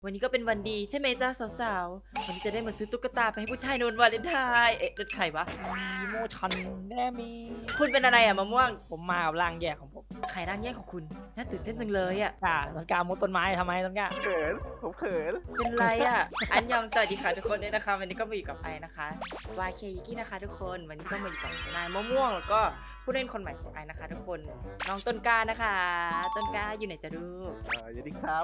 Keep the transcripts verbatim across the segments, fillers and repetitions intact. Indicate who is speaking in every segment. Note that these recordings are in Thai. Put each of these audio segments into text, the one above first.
Speaker 1: วันนี้ก็เป็นวันดีใช่ไหมจ้าสาวๆวันนี้จะได้มาซื้อตุ๊กตาไปให้ผู้ชายในวันวาเลนไทน์เอ๊ะนั่นใครวะ
Speaker 2: มีโมชันแน่มี
Speaker 1: คุณเป็นอะไรอะมะม่วง
Speaker 2: ผมมากับร่างแยกของผม
Speaker 1: ใครร่างแยกของคุณน่าตื่นเต้นจังเลยอะ
Speaker 2: อ่าต้นกล้ามุดต้นไม้ทำไมต้นกล้า
Speaker 3: เขินผมเขิน
Speaker 1: เป็นไรอะอันยองสวัสดีค่ะทุกคนด้วยนะคะวันนี้ก็มาอยู่กับไอนะคะ วาย เค ยิกี้นะคะทุกคนวันนี้ก็มาอยู่กับนายมะม่วงแล้วก็ผู้เล่นคนใหม่ของไอนะคะทุกคนน้องต้นกล้านะคะ ต้นกล้าอยู่ไหนจะดู
Speaker 3: เออยินดีครับ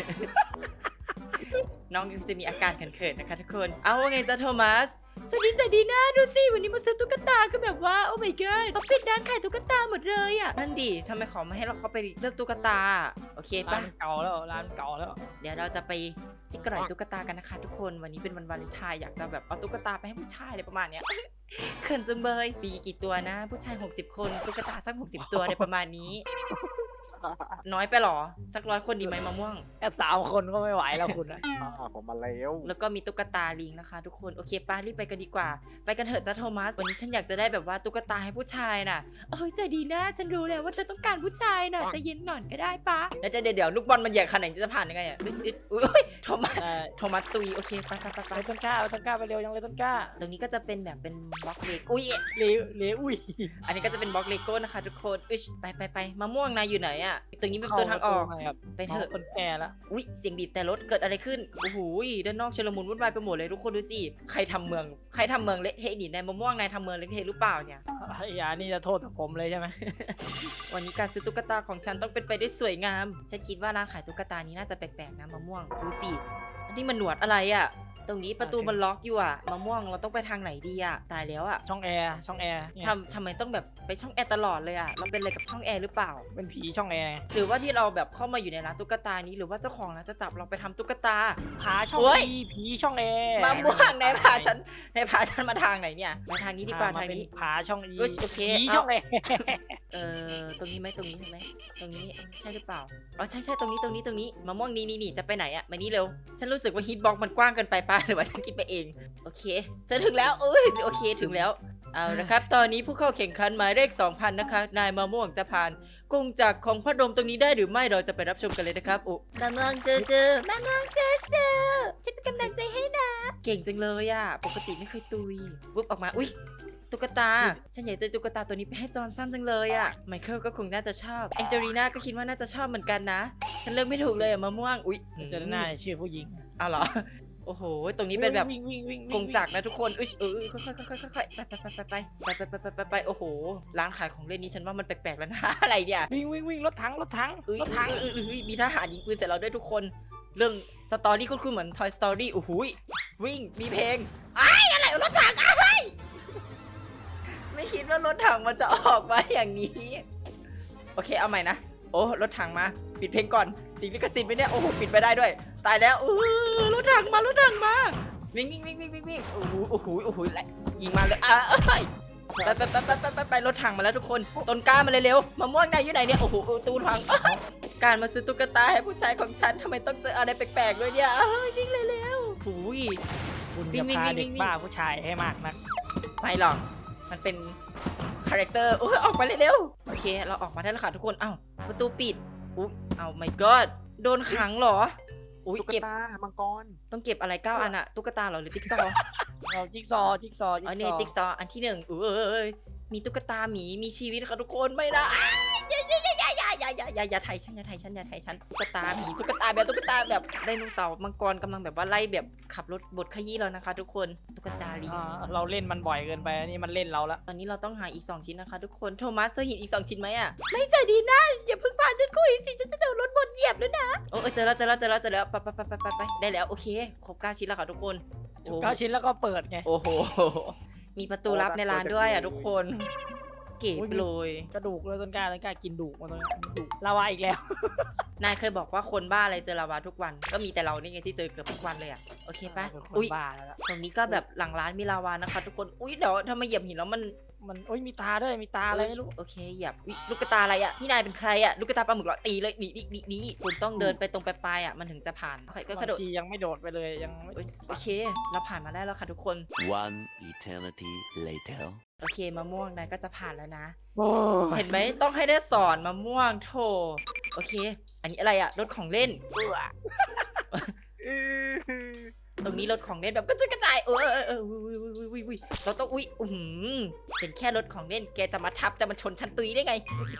Speaker 1: น้องยังจะมีอาการเขินๆนะคะทุกคนเอาว่าไงจ๊ะโทมัสสวัสดีจ้ะดีน่าดูสิวันนี้มาซื้อตุ๊กตาก็แบบว่าโอ้ my god เขาปิดร้านขายตุ๊กตาหมดเลยอ่ะนั่นดิทำไมขอมาให้เราเข้าไปเลือกตุ๊กตาโอเค
Speaker 2: ร้า
Speaker 1: ปะ
Speaker 2: นเก่าแล้วร้านเก่าแล้ว
Speaker 1: เดี๋ยวเราจะไปจิกกร่อยตุ๊กตากันนะคะทุกคนวันนี้เป็นวันวาเลนไทน์อยากจะแบบเอาตุ๊กตาไปให้ผู้ชายอะไรประมาณเนี้ยเขินจังเบยมีกี่ตัวนะ ผู้ชายหกสิบคนตุ๊กตาสักหกสิบตัวอะไรประมาณนี้น้อยไปหรอสักร้อยคนดีไหมมะม่วง
Speaker 2: แค่สามคนก็ไม่ไหวแล้วคุณนะ
Speaker 3: ผมมาแล้ว
Speaker 1: แล้วก็มีตุ๊กตาลิงนะคะทุกคนโอเคป้ารีบไปกันดีกว่าไปกันเถอะจ้าโทมัสวันนี้ฉันอยากจะได้แบบว่าตุ๊กตาให้ผู้ชายน่ะเอ้ยใจดีนะฉันรู้แล้วว่าเธอต้องการผู้ชายน่ะจะเย็นหน่อยก็ได้ป้าแล้วจะเดี๋ยวเดี๋ยวลูกบอลมันใหญ่ขนาดนี้จะผ่านยังไงอ่ะอุ้ยโทมัสโทมัสตุยโอเคไปไปไปไป
Speaker 2: ไปต้นกล้าไปต้นกล้าไปเร็วยังเลยต้นกล้า
Speaker 1: ตรงนี้ก็จะเป็นแบบเป็นบล็อกเล็กอุ้ย
Speaker 2: เลวเลวอุ้ย
Speaker 1: อันนี้ก็จะเป็นบล็อกเลโก้นะคะทุกคนอุ้ยไปไปไปมะม่วงนายอยู่ไหนอ่ะตรงนี้เป็นตัวทางออกไปเถอะ
Speaker 2: คนแก่แล้ว
Speaker 1: อุ้ยเสียงบีบแต่รถเกิดอะไรขึ้นโอ้โหด้านนอกชลมุนวุ่นวายไปหมดเลยทุกคนดูสิใครทำเมืองใครทำเมืองเละเทะดินายมะม่วงนายทำเมืองเละเทะหรือเปล่าเนี่ย
Speaker 2: อย่านี่จะโทษผมเลยใช่ไหม
Speaker 1: วันนี้การซื้อตุ๊กตาของฉันต้องเป็นไปได้สวยงามฉันคิดว่าร้านขายตุ๊กตานี้น่าจะแปลกๆนะมะม่วงดูสิอันนี้มันหนวดอะไรอ่ะตรงนี้ประตูมันล็อกอยู่อ่ะมะม่วงเราต้องไปทางไหนดีอ่ะตายแล้วอ่ะ
Speaker 2: ช่องแอร์ช่องแอร์
Speaker 1: ทำทำไมต้องแบบไปช่องแอร์ตลอดเลยอ่ะเราเป็นอะไรกับช่องแอร์หรือเปล่า
Speaker 2: เป็นผีช่องแอร์
Speaker 1: หรือว่าที่เราแบบเข้ามาอยู่ในร้านตุ๊กตานี้หรือว่าเจ้าของร้านจะจับเราไปทำตุ๊กตา
Speaker 2: ผาช่องผีผีช่องแอร์
Speaker 1: มะม่วงในพาฉันในพาฉันมาทางไหนเนี่ยมาทางนี้ดีกว่าทางนี้
Speaker 2: ผาช่องอี
Speaker 1: โอเค
Speaker 2: ผีช่องแอร์
Speaker 1: เออตรงนี้ไหมตรงนี้ใช่ไหมตรงนี้ใช่หรือเปล่าอ๋อใช่ใช่ตรงนี้ตรงนี้ตรงนี้มะม่วงนี่นี่นี่จะไปไหนอะมานี่เร็วฉันรู้สึกว่าฮิตบ็อกมันกว้างเกินไปป่ะหรือว่าฉันคิดไปเองโอเคจะถึงแล้วเอ้ยโอเคถึงแล้วเอาละครับตอนนี้ผู้เข้าแข่งขันหมายเลข สองพัน นะคะนายมะม่วงจะผ่านกงจากของพระดมตรงนี้ได้หรือไม่เราจะไปรับชมกันเลยนะครับโอ้มะม่วงซื้อมะม่วงซื้อฉันเป็นกำลังใจให้นะเก่งจังเลยอะปกติไม่เคยตุยวุบออกมาอุ้ยตุ๊กตาฉันอยากได้ตุ๊กตาตัวนี้ไปให้จอห์นสันจังเลยอะไมเคิลก็คงน่าจะชอบแองเจลีน่าก็คิดว่าน่าจะชอบเหมือนกันนะฉันเลือกไม่ถูกเลยอะมะม่วงอุ๊ย
Speaker 2: เจอหน้าชื่อผู้หญิง
Speaker 1: อ้าวเหรอโอ้โหตรงนี้เป็นแบบ
Speaker 2: วิ่งวิ่งวิ่ง
Speaker 1: กงจักรนะทุกคนอุ้ยเออค่อยค่อยค่อยค่อยไปไปไปไปไปไปไปไปไปไปโอ้โหร้านขายของเล่นนี้ฉันว่ามันแปลกๆแล้วนะอะไรเนี่ย
Speaker 2: วิ่งวิ่งวิ่งรถถังรถถัง
Speaker 1: รถถังมีทหารยิงปืนเสร็จแล้วด้วยทุกคนเรื่องสตอรี่คุ้นๆเหมือน Toy Story โอ้โหวิ่งมีเพลงไอ้อะไรรถถังไอ้ไม่คิดว่ารถถังมันจะออกมาอย่างนี้โอเคเอาใหม่นะโอ้รถถังมาปิดเพลงก่อนติดลิขสิทธิ์ไปเนี่ยโอ้โหปิดไปได้ด้วยตายแล้วเออรถถังมารถถังมาวิ่งวิ่งวิ่งวิ่งวิ่งวิ่งโอ้โหโอ้โหโอ้โหยิงมาเลยอ่ะไปไปไปไปไปไปไปรถถังมาแล้วทุกคนต้นกล้ามาเลยเร็วมะม่วงนายอยู่ไหนเนี่ยโอ้โหตูนพังการมาซื้อตุ๊กตาให้ผู้ชายของฉันทำไมต้องเจออะไรแปลกๆด้วยเนี่ยวิ่งเลยเร็วหูย
Speaker 2: คุณจะพาเด็กบ้าผู้ชายให้มากนัก
Speaker 1: ไม่หรอกมันเป็นคาแรคเตอร์โอ้ยออกมาเร็วโอเคเราออกมาได้แล้วค่ะทุกคนอ้าวประตูปิดอุ๊ยอ้าว my god โดนขังเหรออุ้ยเก็บ
Speaker 3: มังกร
Speaker 1: ต้องเก็บอะไรเก้าอันอะตุ๊กตาเหรอหรือจิ๊กซอว์
Speaker 2: เราจิ๊กซอจิ๊กซอ
Speaker 1: อ๋อเนี่ยจิ๊กซออันที่หนึ่งเอ้ยมีตุ๊กตาหมีมีชีวิตค่ะทุกคนไม่นะอย่าอย่าอย่าอย่าอย่าอย่าอย่าอย่าอย่าไทยฉันอย่าไทยฉันอย่าไทยฉันตุ๊กตาหมีตุ๊กตาแบบตุ๊กตาแบบไดโนเสาร์มังกรกำลังแบบว่าไล่แบบขับรถบดขยี้แล้วนะคะทุกคนตุ๊กตาลิง
Speaker 2: เราเล่นมันบ่อยเกินไปนี่มันเล่นเราแล้ว
Speaker 1: ตอนนี้เราต้องหาอีกสองชิ้นนะคะทุกคนโทมัสเธอเห็นอีกสองชิ้นไหมอะไม่ใจดีนะอย่าเพิ่งพาฉันคุยสิฉันจะโดนรถบดเหยียบแล้วนะโอ้เจอแล้วเจอแล้วเจอแล้วเจอแล้วไปไปไปไปไปได้แล้วโอเคครบเก้าชิ้นแล้วค่ะทุกคน
Speaker 2: เก้าชิ้นแล้วก็เปิดไง
Speaker 1: โอ้โหมีประตูลับในร้านด้วยอ่ะทุกคนเก๋ไปเลย
Speaker 2: กระดูกเลยต้นกล้าต้นกล้ากินดูมาตรงนี้ดูลาวาอีกแล้ว
Speaker 1: นายเคยบอกว่าคนบ้าอะไรเจอลาวาทุกวันก็มีแต่เรานี่ไงที่เจอเกือบทุกวันเลยอ่ะโอเคปะ
Speaker 2: อุ้ยบ้าแล้ว
Speaker 1: ตรงนี้ก็แบบหลังร้านมีลาวานะคะทุกคนอุ้ยเดี๋ยวถ้ามาเหยียบหินแล้วมัน
Speaker 2: มันอุ้ยมีตาด้วยมีตาอะไรไม่รู้
Speaker 1: โอเคเหยียบลูกกระตาอะไรอ่ะนี่นายเป็นใครอ่ะลูกกระตาปลาหมึกเหรอตีเลยนี่นี่นี่นี่คุณต้องเดินไปตรงปลายๆอ่ะมันถึงจะผ่านค่อยก็กระโดด
Speaker 2: ยังไม่โดดไปเลยยัง
Speaker 1: โอเคเราผ่านมาได้แล้วค่ะทุกคน
Speaker 4: One eternity later
Speaker 1: โอเคมะม่วงนายก็จะผ่านแล้วนะเห็นไหมต้องให้ได้สอนมะม่วงโถโอเคอันนี้อะไรอะรถของเล่นตรงนี้รถของเล่นแบบกระจุยกระจายเออเออเอออุ้ยอุ้ยอุ้ยอุ้ยอุ้ยเราต้องอุ้ยอือหือเป็นแค่รถของเล่นแกจะมาทับจะมาชนชั้นตุยได้ไง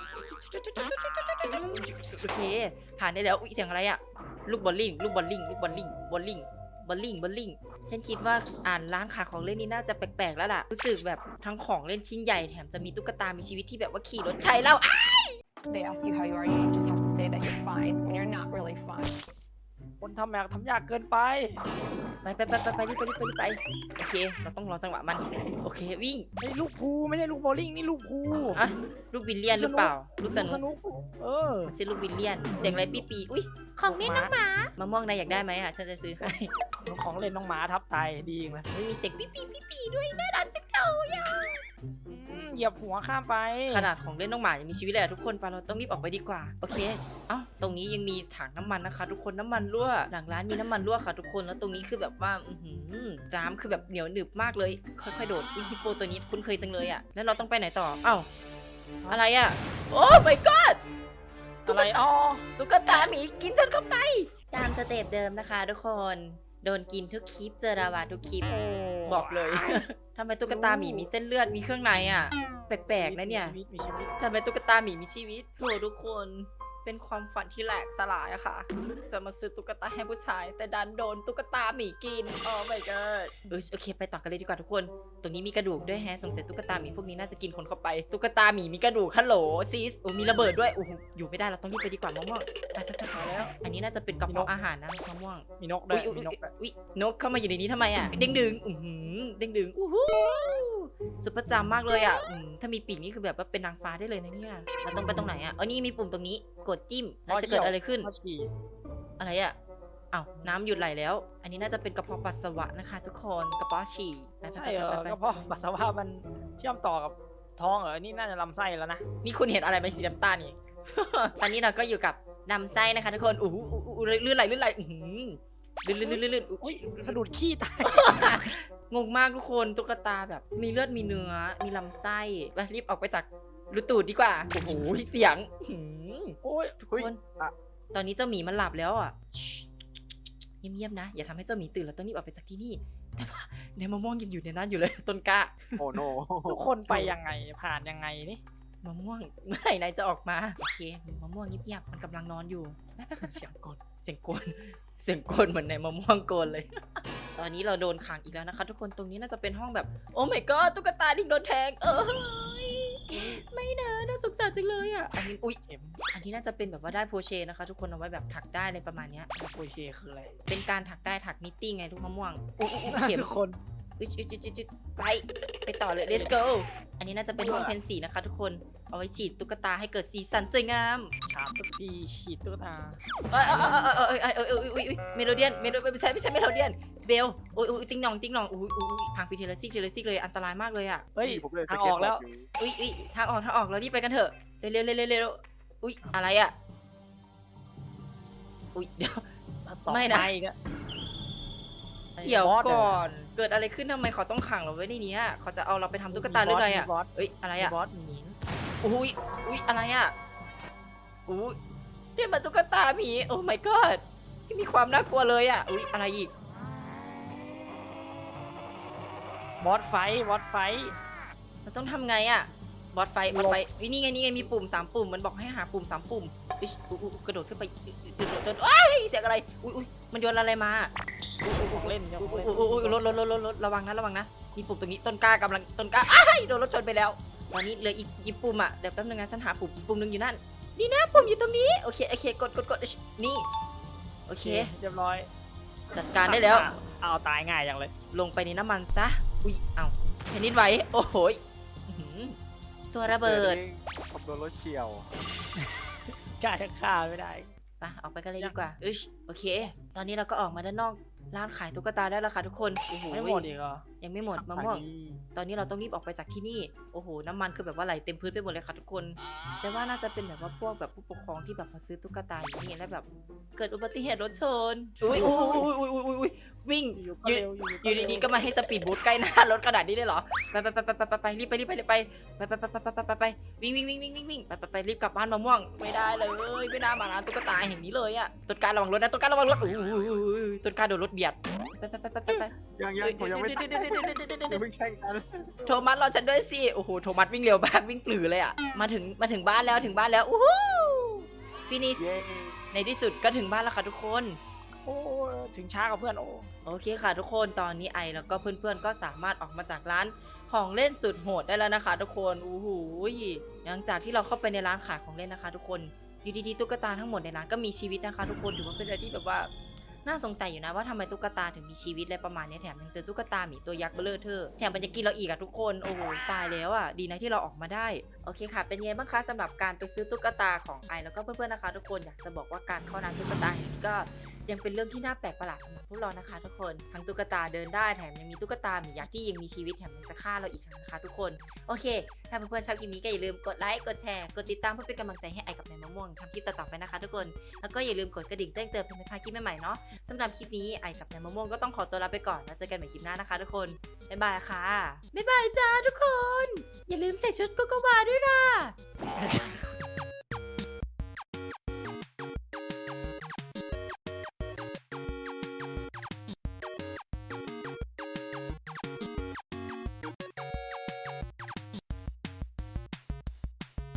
Speaker 1: โอเคผ่านได้แล้วอุ้ยเสียงอะไรอะลูกบอลลิงลูกบอลลิงลูกบอลลิงบอลลิงบอลลิงบอลลิงฉันคิดว่าอ่านร้านขายของเล่นนี่น่าจะแปลกๆแล้วล่ะรู้สึกแบบทั้งของเล่นชิ้นใหญ่แถมจะมีตุ๊กตามีชีวิตที่แบบว่าขี่รถใช้แล้ว
Speaker 5: They ask you how you are, you just have to say that you're fine when you're not really fine.
Speaker 2: คนทำแบบทำยากเกินไป
Speaker 1: ไปไปไปไปไปรีบไปรีบไปรีบไปโอเคเราต้องรอจังหวะมันโอเควิ่ง
Speaker 2: ไอ้ลูกภูไม่ใช่ลูกโบลิ่งนี่ลูกภู
Speaker 1: อะลูกวิลเลียนหรือเปล่าลูกส
Speaker 2: ส
Speaker 1: นุก
Speaker 2: นุกเออ
Speaker 1: มันชื่อลูกวิลเลียนเสียงอะไรปีปีอุ้ยของเล่นน้องหมามะม่วงนายอยากได้ไหมอ่ะฉันจะซื้อให้
Speaker 2: ของเล่นน้องหมาทับตายดีจริงเลย
Speaker 1: ไม่มีเสียงปีปีปีปีด้วยน่ารักจังเลยอ่ะ
Speaker 2: อืมเหยียบหัวข้ามไป
Speaker 1: ขนาดของเล่นน้องหมายังมีชีวิตเลยอะทุกคนไปเราต้องรีบออกไปดีกว่าโอเคเอ้าตรงนี้ยังมีถังน้ำมันนะคะ ทุกคนน้ำมันรั่วหลังร้านมีน้ำมันรั่วค่ะทุกคนแล้วตรงนี้คือแบบว่าอือหือน้ำคือแบบเหนียวหนึบมากเลยค่อยๆโดดอุ๊ยฮิปโปตัวนี้คุ้นเคยจังเลยอ่ะแล้วเราต้องไปไหนต่อเอ้าอะไรอ่ะโอ้ my god
Speaker 2: อะไรอ๋อ
Speaker 1: ตุ๊กตาหมีกินฉันเข้าไป ตามสเต็ปเดิมนะคะทุกคนโดนกินทุกคลิปเจอราวาทุกคลิปบอกเลย ทำไมตุ๊กตาหมีมีเส้นเลือดมีเครื่องในอ่ะ แปลกๆนะเนี่ย
Speaker 2: มีชีวิตมีชีวิต
Speaker 1: ทำไมตุ๊กตาหมีมีชีวิตโหทุกคนเป็นความฝันที่แหลกสลายอะค่ะ จะมาซื้อตุ๊กตาให้ผู้ชาย แต่ดันโดนตุ๊กตาหมีกินโอ้ my god เออโอเคไปต่อกันเลยดีกว่าทุกคน ตรงนี้มีกระดูกด้วยแฮะสงสัยตุ๊กตาหมีพวกนี้น่าจะกินคนเข้าไปตุ๊กตาหมีมีกระดูกฮัลโหลซีสโอ้มีระเบิดด้วยโอ้โหอยู่ไม่ได้เราต้องรีบไปดีกว่ามะม่วงไปไปไปไปแล้วอันนี้น่าจะเป็นกระเพาะอาหารนะมะม่วง
Speaker 2: มีนกด้ว
Speaker 1: อุ้
Speaker 2: ย
Speaker 1: ยอุ้ย
Speaker 2: มีนกด้วย
Speaker 1: อุ้ยนกเข้ามาอยู่ในนี้ทำไมอ่ะเด้งดึงอือหือเด้งดึงอู้หูสุดประจำมากเลยอ่ะอืมถ้ามีปีกนี่คือแบบว่าเป็นนางฟ้าได้เลยนะเนี่ยเราต้องไปตรงไหนอ่ะเออนี่มีปุ่มตรงนี้กดจิ้มแล้วจะเกิดอะไรขึ้น
Speaker 2: ข้อฉี่
Speaker 1: อะไรอ่ะอ้าวน้ำหยุดไหลแล้ว อันนี้น่าจะเป็นกระเพาะปัสสาวะนะคะทุกคนกระเพาะฉี่ไปไป
Speaker 2: ใช่
Speaker 1: ไป
Speaker 2: เหรอ
Speaker 1: ไปไป
Speaker 2: ก็เพราะปัสสาวะมันเชื่อมต่อกับท้องเหรอนี่น่าจะลำไส้แล้วนะ
Speaker 1: นี่คุณเห็นอะไรไหมสีน้ำตาลนี่ ตอนนี้เราก็อยู่กับนำไส้นะคะทุกคนอู้หูอู้หูลื่นไหลลื่นไหลอื้อหือลื่นลื่นลื่นลื่นลื่น
Speaker 2: อุ้
Speaker 1: อุ๊
Speaker 2: ย
Speaker 1: ย
Speaker 2: สะดุดขี้ตาย
Speaker 1: งงมากทุกคนตุ๊กตาแบบมีเลือดมีเนื้อมีลำไส้ไปรีบออกไปจากรูตูดดีกว่าโอ้โหเสียงหืม
Speaker 2: โอ้ย
Speaker 1: ทุกคนตอนนี้เจ้าหมีมันหลับแล้วอ่ะชิเงียบๆนะอย่าทำให้เจ้าหมีตื่นแล้วต้องรีบออกไปจากที่นี่แต่ว่าในมะม่วงยังอยู่ในนั้นอยู่เลยต้นกล้า
Speaker 3: โอ้โน
Speaker 2: ทุกคนไปยังไงผ่านยังไงนี่
Speaker 1: มะม่วงเมื่อไหร่นายจะออกมาโอเคมะม่วงเงียบๆมันกำลังนอนอยู่
Speaker 2: เสียงกด
Speaker 1: เสียงโกนเสียงโกนเหมือนในมะม่วงโกนเลย ตอนนี้เราโดนขังอีกแล้วนะคะ ทุกคนตรงนี้น่าจะเป็นห้องแบบโอ้ my god ตุ๊กตาดิ้งโดนแทงเออไม่นะน่าสงสารจังเลยอ่ะอันนี้อุ๊ย
Speaker 2: เอ็ม
Speaker 1: อันนี้น่าจะเป็นแบบว่าได้โพเชนะคะ ทุกคนเอาไว้แบบถักได้อะไรประมาณเนี้ย
Speaker 2: โอเคคืออะไร
Speaker 1: เป็นการถักได้ถักนิตติ้งไงทุกมะม่วงอุ๊ยอุ๊ยอุ๊ยเข็ม
Speaker 2: ทุกคน
Speaker 1: อุ๊ยอุ๊ยอุ๊ยอุ๊ยอุ๊ยไปไปต่อเลย let's go อันนี้น่าจะเป็นห้องเพนสีนะคะ ทุกคนเอาไว้ฉีดตุ๊กตาให้เกิดสีสันสวยงาม
Speaker 2: ฉาบทุกทีฉีดตุ๊กตา
Speaker 1: เอ้ยเอ้ยเอ้ยเอ้ยเอ้ยเอ้ยเอ้ยเอ้ยเมโลเดียนเมโลไม่ใช่ไม่ใช่เมโลเดียนเบลโอ้ยโอ้ยติ้งหนองติ้งหนองอุ้ยอุ้ยพังไปเทเลซิกเทเลซิกเลยอันตรายมากเลยอ่ะ
Speaker 2: เฮ้ย
Speaker 3: ผมเล่น
Speaker 2: ทางออกแล้ว
Speaker 1: อุ้ยอุ้ยทางออกทางออกเรารีบไปกันเถอะเร็วเร็วเร็วเร็วเร็วอุ้ยอะไรอ่ะอุ้ยเดี๋ยว
Speaker 2: ต่อ
Speaker 1: ไม่นะ
Speaker 2: ปอีกอ
Speaker 1: เดี๋ยว
Speaker 2: บอส
Speaker 1: ก่อนเกิดอะไรขึ้นทำไมเขาต้องขังเราไว้ในนี้อะเขาจะเอาเราไปทำตุ๊กตาหรือไงอ่ะ
Speaker 2: มีบอส
Speaker 1: เอ้ยอะไร
Speaker 2: มี
Speaker 1: อ่ะ
Speaker 2: บอสหมี
Speaker 1: อุ้ยอุ้ยอะไรอ่ะอุ้ยเรียกมาตุ๊กตาหมีโอ้ my god ที่มีความน่ากลัวเลยอ่ะอุ้ยอะไรอีก
Speaker 2: บอสไฟท์บอสไฟท์
Speaker 1: มันต้องทำไงอะบอสไฟบอสไฟวินี่ไงนี่ไงมีปุ่มสามปุ่มมันบอกให้หาปุ่มสามปุ่มอุ๊ยอุ๊ยอุ๊ยกระโดดขึ้นไปกระโดดเดินอ้ายเสียงอะไรอุ้ยอุ้ยมันโยนอะไรมา
Speaker 2: ของเล่นเจ้า
Speaker 1: อุ้
Speaker 2: ข
Speaker 1: ย
Speaker 2: อง
Speaker 1: อุ้
Speaker 2: เล่น
Speaker 1: ยอุ้ยอุ้ยรถรถรถรถรถระวังนะระวังนะมีปุ่มตรงนี้ต้นกล้ากำลังต้นกล้าอ้ายโดนรถชนไปแล้วตอนนี้เหลืออีกกี่ปุ่มอะเดี๋ยวแป๊บนึงนะฉันหาปุ่มปุ่มหนึงอยู่นั่นนี่นะปุ่มอยู่ตรงนี้โอเคโอเคกดกดกดนี่โอเค
Speaker 2: เรียบร้อย
Speaker 1: จัดการได้แล้ว
Speaker 2: เอาตายง่ายอย่างเลย
Speaker 1: ลงไปในน้ำมันซะอุ้ยเอ้าแผ่นดินไหวโอ้โหยอื้อหือตัวระเบิด
Speaker 3: ผมโดนรถเฉียว
Speaker 2: กล้าจะฆ่าไม่ได้
Speaker 1: ไปออกไปกันเลยดีกว่าอึชโอเค ตอนนี้เราก็ออกมาด้านนอกร้านขายตุ๊กตาได้แล้วค่ะทุกคนโอ้โห
Speaker 2: ไม่หมดอีกเหรอ
Speaker 1: ยังไม่หมดมะม่วงตอนนี้เราต้องรีบออกไปจากที่นี่โอ้โหน้ำมันคือแบบว่าไหลเต็มพื้นไปหมดเลยค่ะทุกคนแต่ว่าน่าจะเป็นแบบว่าพวกแบบผู้ปกครองที่แบบมาซื้อตุ๊กตาอย่างนี้แล้วแบบเกิดอุบัติเหตุรถชนอุ้ยอุ้ยอุ้ยอุ้ยอุ้ยอุ้ยวิ่ง
Speaker 2: อยู่ก็
Speaker 1: อยู่
Speaker 2: เร็วอยู่
Speaker 1: อยู่ดีๆก็มาให้สปีดบูทใกล้หน้ารถขนาดนี้เลยเหรอไปไปไปไปไปไปรีบไปรีบไปรีบไปไปไปไปไปไปไปไปวิ่งวิ่งวิ่งวิ่งวิ่งวิ่งไปไปไปรีบกลับบ้านมะม่วงไม่ได้เลยไม่น่ามาร้านตุ๊กตาแห่งนี้เลยอะต้นการระวังรถนะต้นการระวังรถอุ้ยต้นการโดนรถเบียดไปไปไปไปไปไป
Speaker 3: ยังยังผมยังไม่ตายอย่าเพิ่งแช่งกัน
Speaker 1: โทมัสรอฉันด้วยสิโอ้โหโทมัสวิ่งเร็วมากวิ่งปลือเลยอ่ะมาถึงมาถึงบ้านแล้วถึงบ้านแล้วอู้หูฟินิช
Speaker 3: เย้
Speaker 1: ในที่สุดก็ถึงบ้านแล้วค่ะทุกคน
Speaker 2: โอ้ถึงช้ากับเพื่อนโอ้
Speaker 1: โอเคค่ะทุกคนตอนนี้ไอแล้วก็เพื่อนๆก็สามารถออกมาจากร้านของเล่นสุดโหดได้แล้วนะคะ ทุกคนอู้หูหลังจากที่เราเข้าไปในร้านขายของเล่นนะคะ ทุกคนอยู่ดีๆตุ๊กตาทั้งหมดในร้านก็มีชีวิตนะคะ ทุกคนถือว่าเป็นอะไรที่แบบว่าน่าสงสัยอยู่นะว่าทำไมตุ๊กตาถึงมีชีวิตอะไรประมาณนี้แถมยังเจอตุ๊กตาหมีตัวยักษ์เบ้อเร่อเธอแถมมันจะกินเราอีกอะทุกคนโอ้โหตายแล้วอะดีนะที่เราออกมาได้โอเคค่ะ เป็นไงบ้างคะสำหรับการไปซื้อตุ๊กตาของไอแล้วก็เพื่อนๆนะคะ ทุกคนอยากจะบอกว่าการเข้าร้านตุ๊กตานี้ก็ยังเป็นเรื่องที่น่าแปลกประหลาดสำหรับพวกเรานะคะ ทุกคนทั้งตุ๊กตาเดินได้แถมยังมีตุ๊กตาหมียักษ์ที่ยังมีชีวิตแถมยังจะฆ่าเราอีกนะคะ ทุกคนโอเคถ้าเพื่อนๆชอบคลิปนี้ก็อย่าลืมกดไลค์กดแชร์กดติดตามเพื่อเป็นกำลังใจให้ไอกับนายมะม่วงทำคลิปต่อๆไปนะคะ ทุกคนแล้วก็อย่าลืมกดกระดิ่งแจ้งเตือนเพื่อไม่พลาดคลิปใหม่ๆเนาะสำหรับคลิปนี้ไอกับนายมะม่วงก็ต้องขอตัวลาไปก่อนแล้วเจอกันใหม่คลิปหน้านะคะ ทุกคนบ๊ายบายค่ะบ๊ายบายจ้าทุกคนอย่าลืมใส่ชุดโกโกวาด้วยล่ะ